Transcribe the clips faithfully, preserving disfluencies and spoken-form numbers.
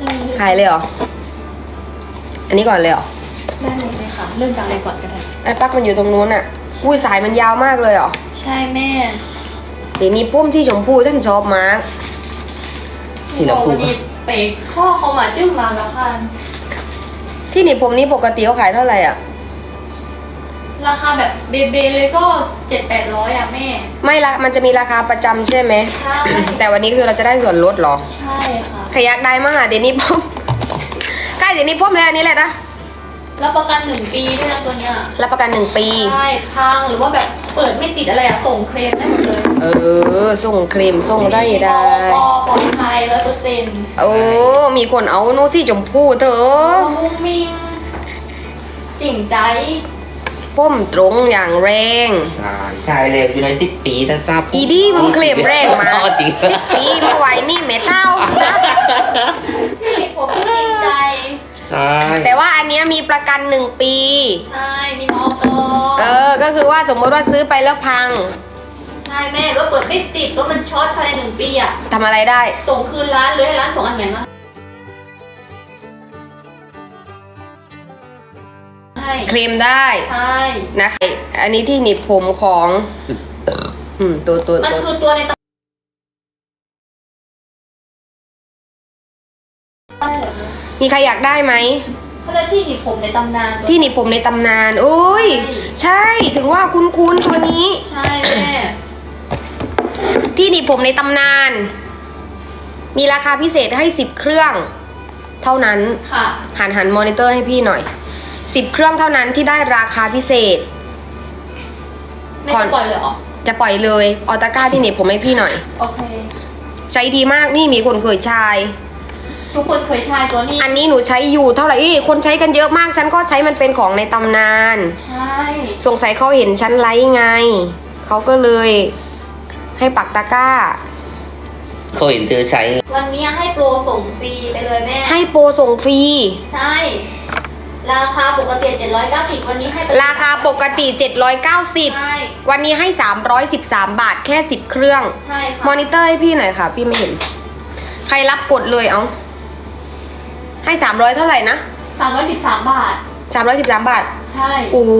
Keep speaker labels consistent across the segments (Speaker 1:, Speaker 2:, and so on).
Speaker 1: ขายเลยเหรออันนี้ก่อนเลยเหรอ
Speaker 2: ได้หมดเลยค่ะเริ่มจากอะไรก่อนก็ได้
Speaker 1: ไอ้ปักมันอยู่ตรงนู้นอ่ะอุ้ยสายมันยาวมากเลยเหรอ
Speaker 2: ใช่แม่
Speaker 1: เดี๋ยวนี้พุ่มที่ชมพูฉันชอบมาก
Speaker 2: ที่เราพูดเป๋ข้อเขามาจึ้งมาแล้วค่ะ
Speaker 1: ที่หนีบผมนี้ปกติเขาขายเท่าไหร่อ่ะ
Speaker 2: ราคาแบบเบเบเลยก็เจ็ดแปดร้อยอ่ะแม่
Speaker 1: ไม่ละมันจะมีราคาประจำใช่ไหม
Speaker 2: ใช่
Speaker 1: แต่วันนี้คือเราจะได้ส่วนลดหรอ
Speaker 2: ใช่ค่ะ
Speaker 1: ขยักได้มากเดี๋ยวนี้พุ่มใกล้เดี๋ยวนี้พุ่มเลยอันนี้แหละนะ
Speaker 2: รับประกันหนึ่งปีด้วยนะตัวเนี้ย
Speaker 1: รับประกันหนึ่งปี
Speaker 2: ใช่พังหรือว่าแบบเปิดไม่ติดอะไรอะส่งเคลมได้หมดเลย
Speaker 1: เออส่งเคลมส่งได้ได้
Speaker 2: ปอปลอดภัยร้อยเปอร์เซ็นต์
Speaker 1: โอ้มีคนเอาโน้ตที่ชมพูเถอะ
Speaker 2: มุ้งมิ้งจริงใจ
Speaker 1: พุ่มตรงอย่างแรง
Speaker 3: ใช่ใช่เลยอยู่ในสิบปีถ้าทราบ
Speaker 1: อีดี้มึงเคลมแรงมาสิบปีเมื่อไหร่นี่แม่เท่า
Speaker 2: ที่ผมจริงใจ
Speaker 3: ใช่
Speaker 1: แต่ว่าอันนี้มีประกันหนึ่งปี
Speaker 2: ใช่มีมอก
Speaker 1: เออก็คือว่าสมมติว่าซื้อไปแล้วพัง
Speaker 2: ใช่แม่ก็เปิดไม่ติดก็มันช็อตภายในหนึ่งปีอะ
Speaker 1: ทำอะไรได้
Speaker 2: ส่งคืนร้านเลยให้ร้านส่งอันไหนมา
Speaker 1: เคลมได้
Speaker 2: ใช่
Speaker 1: นะคะอันนี้ที่หนีบผมของอืมตัวตัว
Speaker 2: มันคือตัวในตำ
Speaker 1: มีใครอยากได้ไหม
Speaker 2: เขาเรียกที่หนีบผมในตำนาน
Speaker 1: ที่หนีบผมในตำนานโอ้ยใช่ถึงว่าคุ้นๆตัวนี้
Speaker 2: ใช่แม่
Speaker 1: ที่หนีบผมในตำนานมีราคาพิเศษให้สิบเครื่องเท่านั้น
Speaker 2: ค่ะ
Speaker 1: หันหันมอนิเตอร์ให้พี่หน่อยสิบเครื่องเท่านั้นที่ได้ราคาพิเศษ
Speaker 2: ไม่จะปล่อยเลยเหรอ
Speaker 1: จะปล่อยเลยออตาก้าที่หนีบผมให้พี่หน่อย
Speaker 2: โอเค
Speaker 1: ใช้ดีมากนี่มีคนเคยใช้
Speaker 2: ทุกคนเคยใช้ตัวนี้
Speaker 1: อันนี้หนูใช้อยู่เท่าไหร่คนใช้กันเยอะมากฉันก็ใช้มันเป็นของในตำนาน
Speaker 2: ใช่
Speaker 1: สงสัยเขาเห็นฉันไลฟ์ไงเขาก็เลยให้ปักตะกร้า
Speaker 3: เขาเห็นเธอใช้
Speaker 2: วันนี้ให้โปรส่งฟรีไปเลยแม่
Speaker 1: ให้โปรส่งฟรี
Speaker 2: ใช่ราคาปกติเจ็ดร้อยเก้าสิบวันนี้ให้
Speaker 1: ราคาปกติเจ็ดร้อยเก้าสิบวันนี้ให้สามร้อยสิบสามบาทแค่สิบเครื่อง
Speaker 2: ใช่ค่ะ
Speaker 1: มอนิเตอร์ให้พี่หน่อยค่ะพี่ไม่เห็นใครรับกดเลยเอาให้สามร้อยเท่าไหร่นะ
Speaker 2: สามร้อยสิบสามบาท
Speaker 1: สามร้อยสิบสามบาท
Speaker 2: ใช่
Speaker 1: โอ้โห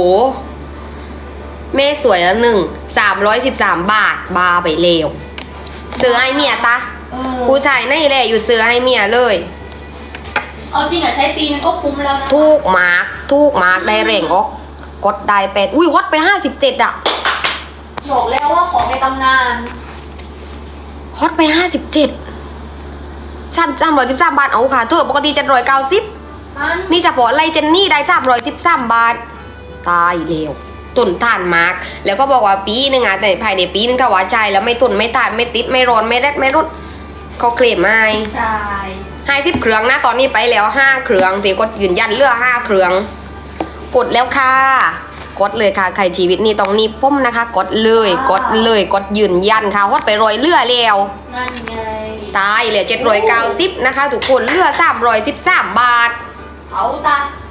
Speaker 1: แม่สวยแล้วหนึ่งสามร้อยสิบสามบาทบาไปเลวซื้อให้เมียตาผู้ชายนี่แหละอยู่ซื้อให้เมียเลย
Speaker 2: เอาจริงอะใช้ปีนึงก็คุ้มแล้วนะ
Speaker 1: ทูกมาร์กทูกมาร์กได้เร่งออกกดได้เป็ดอุ้ยฮอตไปห้าสิบเจ็ดอะ
Speaker 2: บอกแล้วว่าของในตำนาน
Speaker 1: ฮอตไปห้าสิบเจ็ดสามสามร้อยสิบสามบาทเอาค่ะเธอปกติเจ็ดร้อยเก้าสิบนี่เฉพาะไลเจนนี่ได้สามร้อยสิบสามบาทตายเร็วตุนทานมาร์กแล้วก็บอกว่าปีนึงอะแต่ภายในปีนึงถ้าว่าใจแล้วไม่ตุนไม่ทานไม่ติดไม่ร้อนไม่แรดไม่รุดเขาเคลมให้
Speaker 2: ใช่
Speaker 1: ให้สิบเครื่องนะตอนนี้ไปแล้วห้าเครื่องสิกดยืนยันเลือกห้าเครื่องกดแล้วค่ะกดเลยค่ะใครชีวิตนี่ต้องนี่พุ่มนะคะกดเลยกดเลยกดยืนยันค่ะฮอดไปรอยเลือแล้ว
Speaker 2: นั่นไง
Speaker 1: ตายเหลือเจ็ดร้อยเก้าสิบนะคะทุกคนเลือสามร้อยสิบสามบาท
Speaker 2: เอาจ้ะ